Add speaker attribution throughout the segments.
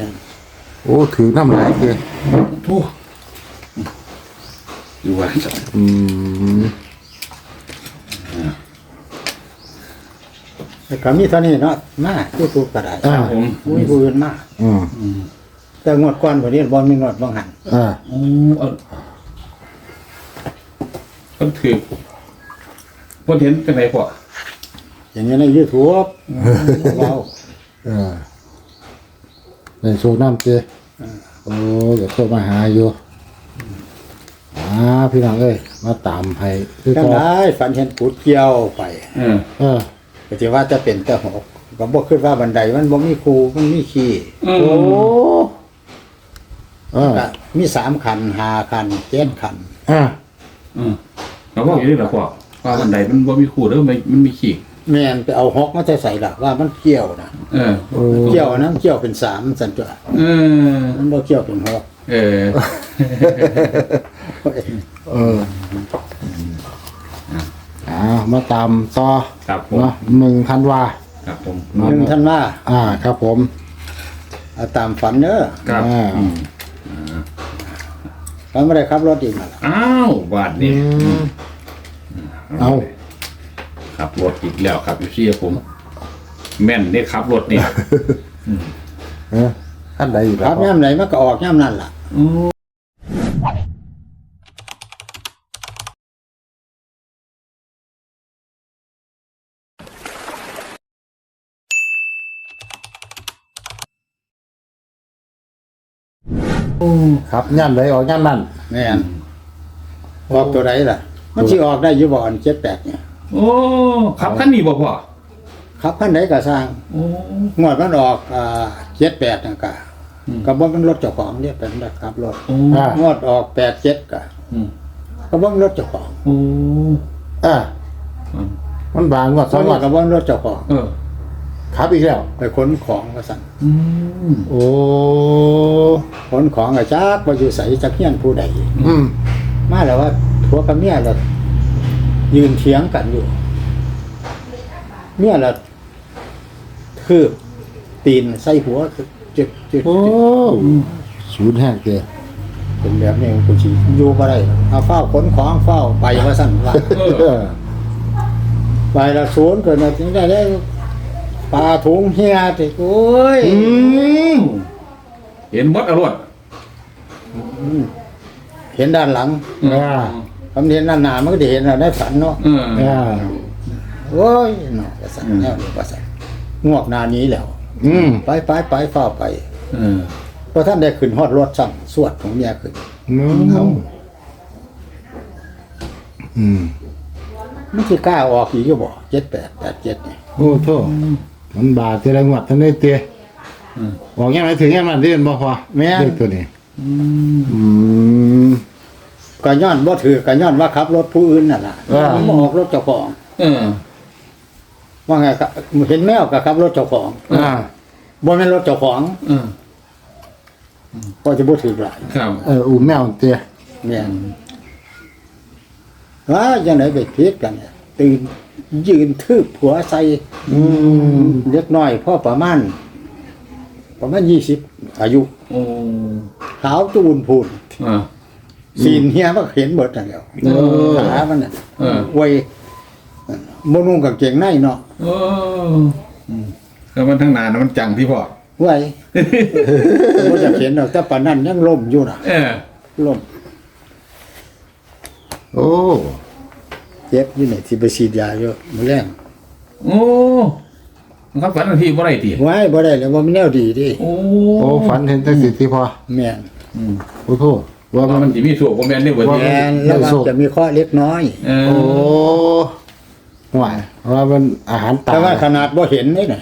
Speaker 1: โอ้ถือน้ำลายเกย
Speaker 2: ทุกอยู่ว่าจัง
Speaker 3: แต่ก็มีเท่านี้เนาะมาที่ถูกกระได
Speaker 2: ผม
Speaker 3: มีผู้อื่นมาแต่งวดก่อนวันนี้บอลมีงวดบางหัน
Speaker 2: โอ้ก็ถือคนเห็นเป็นไรพ่อ
Speaker 3: อย่างนี้ในยูทูบเรา
Speaker 1: ในโชว์น้ำเกยโอ้เดี๋ยวโทรมาหาอยู่พี่น้องเอ้ยมาตามให้คือ
Speaker 3: จัง
Speaker 1: ก็
Speaker 3: ได้ฝันเห็นปูดเกี่ยวไป ก็จะว่าจะเป็นแต่หกก็บอกขึ้นว่าบันไดมันบ่มีครูมันมีขี้
Speaker 1: โอ้
Speaker 3: ก็มี3 คัน5 คัน7 คัน
Speaker 2: เราบอกอย่างนี้เหรอพ่อว่าบันไดมันว่ามีขู่แล้วมันมีขีด
Speaker 3: แม่นไปเอาหอกมาจะใส่ล่ะว่ามันเกี่ยวนะเกี่ยวนะเกี่ยวเป็น3สันจ้ะมันบ่เกี่ยวเป็น6
Speaker 1: มาตามต่อ
Speaker 2: ครับผม
Speaker 1: เนาะ1,000 วา
Speaker 2: ครับผม
Speaker 3: 1 ท่านว่า
Speaker 1: ครับผม
Speaker 3: เอาตามฝันเด้อ
Speaker 2: ครับ
Speaker 3: ฝันบ่ได้ขับรถอีกนั่นล่ะ
Speaker 2: อ้าวบาทนี่
Speaker 1: เอา
Speaker 2: ขับรถอีกแล้วครับพี่เชี่ยผม แม่นได้ขับรถเนี่ย
Speaker 1: ขั้นใดอยู่
Speaker 3: ค
Speaker 1: แล้
Speaker 3: รั
Speaker 1: ว
Speaker 3: บย่ำไหนมันก็ออกย่ำนั่นล่ะ
Speaker 1: ครับย่ำใดออกย่ำนั่น
Speaker 3: แม่นออกตัวไหนล่ะ มันสิออกได้อยู่บ่อัน78เนี่ย
Speaker 2: โอ้ขับคันนี้บ่พ่อ
Speaker 3: ครับคันไหนก็สร้าง
Speaker 2: โอ้
Speaker 3: งวดมันออก78นั่นก็บ่เป็นรถเจ้าของเนี่ยเป็นรถขับรถ
Speaker 2: โอ้
Speaker 3: งวดออก87ก็บ่เป็นรถเจ้าของ
Speaker 2: โอ้
Speaker 1: มันบางกว่าส
Speaker 3: ส
Speaker 1: อ
Speaker 3: อง ง
Speaker 1: ง
Speaker 3: ว
Speaker 1: วั
Speaker 3: ด
Speaker 1: น
Speaker 3: ก็บ่เป็นรถเจ้าของ
Speaker 1: ครับอีกแล้ว
Speaker 3: ไปขนของว่าซั่น
Speaker 1: โอ้
Speaker 3: ขนของก็จักบ่อยู่ไสจักเฮียนผู้ใดมาแล้วว่าผัวกับเมียแล้วยืนเถียงกันอยู่เมียแล้วคืบตีนใส่หัวจึก
Speaker 1: โอ้ศูนย์แห้งเกย
Speaker 3: เป็นแบบนี้กูสิอยู่บ่ได้เอาเฝ้าขนของเฝ้าไปว่าซั่นว่าไปละศูนย์เกิดมาถึงได้ปลาถุงเฮียติโอ้ย
Speaker 2: เห็นมดอรวด
Speaker 3: เห็นด้านหลังคำเห็นด้านหน้ามันก็ได้เห็นได้ฝันเนาะโอ้ยเนาะว่าซั่นแนวนี้ว่าซั่นงวกหน้านี้แล้วไปเฝ้าไปเพราะท่านได้ขึ้นฮอดรถซ้ำสวดของเมียขึ้นเอามันสิกล้าออกอีกอยู่บ่7887นี่
Speaker 1: โอ้โธ่มันบาดที่ไรหวัดทั้งได้เตี้ยบอกยังไงถึงยังมันเรียนบ่พอแม่เด็กตัวนี้
Speaker 3: ก็ย้อนบ่ถือก็ย้อนว่าขับรถผู้อื่นนั่นล่ะมันบ่ออกรถเจ้าของว่าไงครับเห็นแมวก็ขับรถเจ้าของบ่แม่นรถเจ้าของก็จะบ่ถือหลาย
Speaker 2: ครับ
Speaker 1: อูแมวเตี้ย
Speaker 3: แม่นว่าจังได๋ไปผิดกันเนี่ยตื่นยืนทืบผัวใส่เล็กน้อยพอประมาณ20อายุ
Speaker 2: โอ้
Speaker 3: ขาวจูนพูนซีนเฮียมันเห็นเบิดนั่นแหล้วขามันน่ะไว้บ่นุ่งกางเกงในเนาะ
Speaker 2: แล้วมันทั้งนานมันจังที่พ่อ
Speaker 3: ไว้บ่จะเห็นดอกแต่ปานนั้นยังล่มอยู่น่ะล่ม
Speaker 1: โอ้
Speaker 3: เจ็บอยู่นี่สิไปฉีดยาอยู่มื้อแรง
Speaker 2: โอ้ครับฝันที่บ่ได้ติ
Speaker 3: ไว้บ่ได้แล้วบ่มีแนวดีดิ
Speaker 2: โอ้
Speaker 1: โอ้ฝันเห็นแต่สิที่พอ
Speaker 3: แม่น
Speaker 1: โอ้โธ่ว่า
Speaker 2: ว่า
Speaker 1: มั
Speaker 2: มัน นสิมีส่วนบ่แม่นนี่เบิด
Speaker 3: แม่นแล้วมันจะมีข้อเล็กน้อย
Speaker 1: โอ้ห่วยว่ามันอาหารตา
Speaker 3: แต่ว่าขนาดบ่เห็นนี่น่ะ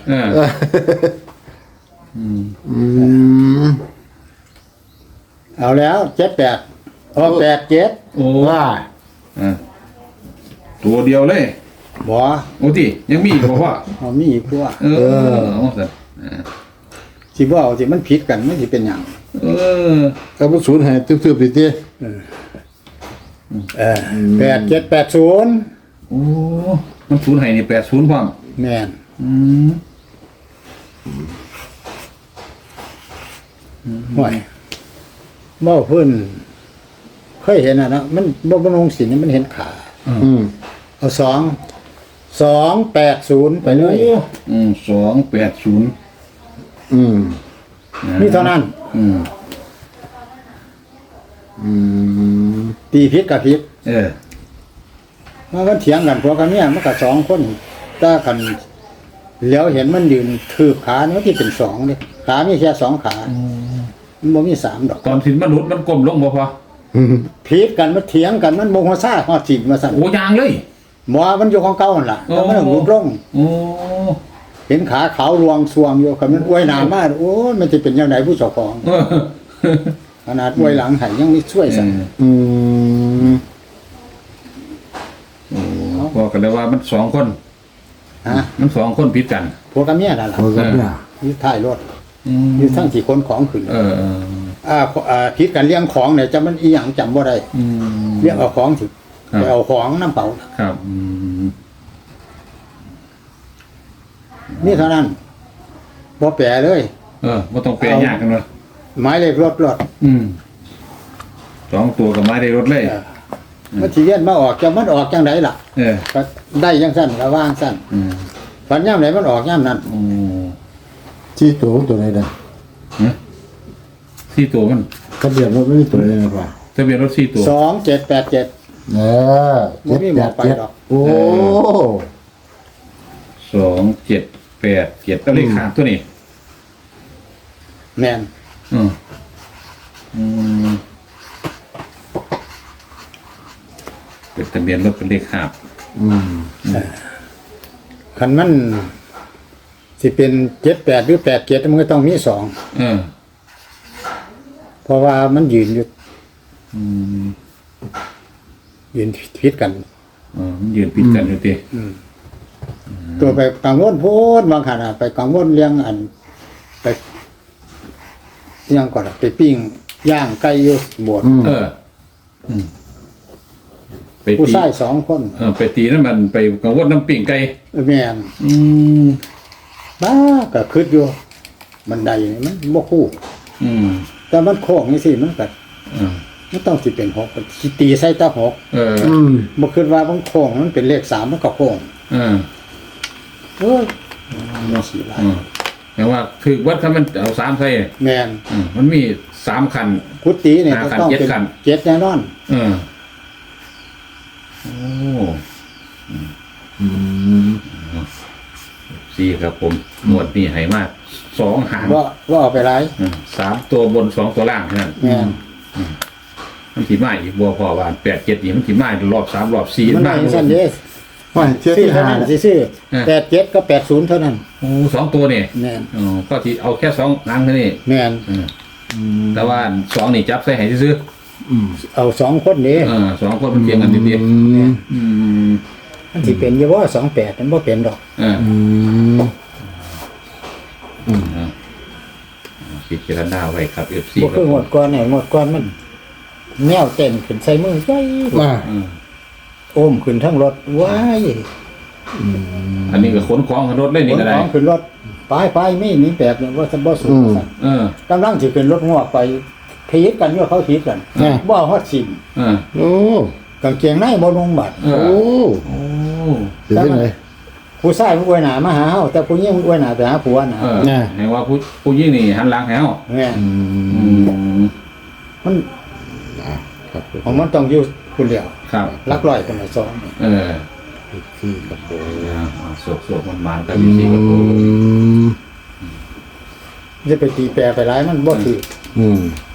Speaker 3: เอาแล้ว78อ๋อ87
Speaker 2: โอ้
Speaker 1: ว่า
Speaker 2: ตัวเดียวเลย
Speaker 3: บ่
Speaker 2: โอ้ติยังมีอีกบ่พ่อ
Speaker 3: เอามีอีกตัว
Speaker 2: เอาซะ
Speaker 3: สิบ่เอาสิมันผิดกันมันสิเป็นหยัง
Speaker 1: ก็มันศูนย์แห้งตึบๆดิเตี้ย
Speaker 3: 8780
Speaker 2: โอ้มันศูนย์ให้นี่80พร้อม
Speaker 3: แม่นห่วยบ่เพิ่นเคยเห็นนะมันบ่ลงสินมันเห็นขา
Speaker 1: อืม
Speaker 3: เอา280ไปเลย
Speaker 2: 280
Speaker 1: อืม
Speaker 3: นี่เท่านั้น
Speaker 2: อืม
Speaker 1: อืม
Speaker 3: ตีผิดกับผิด
Speaker 2: เ
Speaker 3: มันเถียงกันพวกกันเนี่ยมันก็2คนถ้ากันแล้วเห็นมันยืนถือขาเนี่ยที่เป็น2เด้ขามีแค่2ขามันบ่มี3ดอก
Speaker 2: ตอนสินมนุษย์มันก้มลงบ่พอ
Speaker 1: อืม
Speaker 3: ผิดกันมันเถียงกันมันบ่ฮู้ซ่าฮอดสิมาสั่น
Speaker 2: โอ้ยางเลย
Speaker 3: หมอมันอยู่ของเก่านั่นล่ะแล้วมันหลุดลง
Speaker 2: โอ้
Speaker 3: เห็นขาขาวรวงสวงอยู่คันมันอวยหน้ามาโอ้ยมันสิเป็นจังไดผู้เจ้าของ
Speaker 2: เออ
Speaker 3: ขนาดอวยหลังให้ยังไม่ช่วยสั่น
Speaker 1: อืม
Speaker 2: โอ้บอกกันเลยว่ามัน2คน
Speaker 3: ฮะ
Speaker 2: มัน2คนผิดกัน
Speaker 3: พวกกับเมียนั่นล่ะ
Speaker 1: โอ้ก็เนี่ย
Speaker 3: อยู่ท้ายรถ
Speaker 2: อืม
Speaker 3: อยู่ทั้งที่ขนของขึ้น
Speaker 2: เออ
Speaker 3: ผิดกันเลี้ยงของเนี่ยจะมันอีหยังจำบ่ได้
Speaker 2: อืม
Speaker 3: เลี้ยงเอาของสิ
Speaker 2: ครับ
Speaker 3: ไปเอาของน้ำเปล่า
Speaker 2: ครับม
Speaker 3: นี่เท่านั้นบ่แปรเลย
Speaker 2: บ่ต้องแปลยากกันเนาะ
Speaker 3: หมายเลขรถ
Speaker 2: 2ตัวกับไม้ได้รถเลย
Speaker 3: มันสิเวียนมาออกจะมันออกจังไดล่ะ
Speaker 2: เออ
Speaker 3: ก็ได้จังซั่นระว่างซั่น
Speaker 2: อืม
Speaker 3: ฝันยามไหนมันออกยามนั้น
Speaker 2: โอ้
Speaker 1: ที่ตัวไหนดัง
Speaker 2: ฮะ4ตัวมัน
Speaker 1: ทะเบียนรถไม่มีตัวเลยนะป่ะ
Speaker 2: ทะเบียนรถ4ตัว
Speaker 3: 2787
Speaker 1: เออ
Speaker 3: บ่มีหมอไปหรอก
Speaker 1: โอ้
Speaker 2: 2787แล้วเลขข้างตัวนี้
Speaker 3: แม่น
Speaker 2: อืมอืมเป็นทะเบียนรถเป็นเลขข้าง
Speaker 1: อืม
Speaker 3: คันมันสิเป็น78หรือ87มันก็ต้องมี2
Speaker 2: เออ
Speaker 3: เพราะว่ามันยืนอยู่
Speaker 2: อืม
Speaker 3: ยืนทิศกัน
Speaker 2: มันยืนปิดกันอยู่ติ
Speaker 3: ตัวไปกังวลโพดบางขณะไปกังวลเรื่องอันไปยังก่อนอะไปปิ้งย่างไก่อยู่โบสถ์
Speaker 2: เออ อืมไป
Speaker 3: ผู้
Speaker 2: ตี
Speaker 3: ชาย2 คน
Speaker 2: ไปตีนั่นมันไปกังวลน้ำปิ่งไก่
Speaker 3: แม่น
Speaker 2: อืม
Speaker 3: บ้าก็คิดอยู่บันไดนี่มันบ่คู่
Speaker 2: อืม
Speaker 3: แต่มันโค้งจังซี่มันก็
Speaker 2: เออ
Speaker 3: มันต้องสิเป็น6ก็สิตีใส่ตา6
Speaker 2: เออ
Speaker 1: อืม
Speaker 3: บ่คิดว่ามันโค้งมันเป็นเลข3มันก็โค้ง
Speaker 2: เออ
Speaker 3: เอ้ยมันสิหลาย
Speaker 2: แปลว่าคือวัดถ้ามันเอา3ใส่
Speaker 3: แม่น
Speaker 2: มันมี3คัน
Speaker 3: กุฏิเนี่ย
Speaker 2: ห้า
Speaker 3: ก็
Speaker 2: คัน
Speaker 3: ต้อง
Speaker 2: เจ็ด
Speaker 3: เป็น
Speaker 2: คัน
Speaker 3: 7แน่นอน
Speaker 2: เออโอ้
Speaker 1: อืม
Speaker 2: สี่ครับผมหมวดนี่ให้มาก2หาง
Speaker 3: ว่าเอาไปหลาย
Speaker 2: 3ตัวบน2ตัวล่างเท่านั้น
Speaker 3: แม่น
Speaker 2: มันถีมาอีกบัวพอว่า8-7นี่มันถีมารอบ3รอบ4
Speaker 3: มัน
Speaker 2: มา
Speaker 3: ให้ซั่นเด้
Speaker 1: ว่าเชื่อ
Speaker 3: ซื้อ
Speaker 1: ที่
Speaker 3: เท่า
Speaker 1: หา
Speaker 3: นั้น
Speaker 1: เนี่ย
Speaker 3: ซื้อ
Speaker 2: เออ
Speaker 3: 87ก็80เท่านั้น
Speaker 2: โอ้2ตัวนี่
Speaker 3: แม่น
Speaker 2: อ๋อก็ที่เอาแค่2หางเท่านี้
Speaker 3: แม่น
Speaker 2: แต่ว่า2นี่จับใส่ให้ซื้อ
Speaker 1: อืม
Speaker 3: เอา2คนนี้
Speaker 2: 2คนมันเทียงกันดี
Speaker 1: อืม
Speaker 2: ๆอืม
Speaker 3: มันสิเป็นอยู่ว่า28มันบ่เป็นดอก
Speaker 2: เออ
Speaker 1: อืม
Speaker 2: พิจารณาไว้ครับ FC
Speaker 3: บ่คือหมดก่อนเนี่ยหมดก่อนมันแนวเต้นขึ้นใส่มือใหญ่
Speaker 1: ว่า
Speaker 3: โอมขึ้นทั้งรถว้าย
Speaker 2: อันนี้ก็ขนของขึ้นรถเล่น
Speaker 3: ข
Speaker 2: นี่
Speaker 3: น
Speaker 2: ก็
Speaker 3: ข
Speaker 2: ได้
Speaker 3: องขึ้นรถไปมีนี่แบบเนี่ยว่าจะบ่สูงสั่น
Speaker 2: เออก
Speaker 3: ำลังสิขึ้นรถงอกไปพีดกันอยู่เขาพีดกันบ่ฮอดสิม
Speaker 2: เออ
Speaker 1: โอ้
Speaker 3: กางเกงในบ่ลงบัด
Speaker 2: เอ
Speaker 1: โอ้
Speaker 2: โอ้
Speaker 1: เป็นยังไง
Speaker 3: ผู้ชายมันอวยหน้ามาหาเฮาแต่ผู้หญิงมันอวยหน้าไปหาผัวน่ะ
Speaker 2: เห็นว่าผู้ยิ่งนี่หันหลังแล้ว
Speaker 3: แม่น มัน
Speaker 1: ครับ
Speaker 3: ของมันต้องอยู่คนเดียว
Speaker 2: ครับ
Speaker 3: ลักลอยคนละสอง
Speaker 2: เออ
Speaker 1: ที่กับโบ
Speaker 2: สวกมันกับ FC กับผม
Speaker 3: จะไปตีแปรไปหลายมันบ่ถือ
Speaker 1: อืม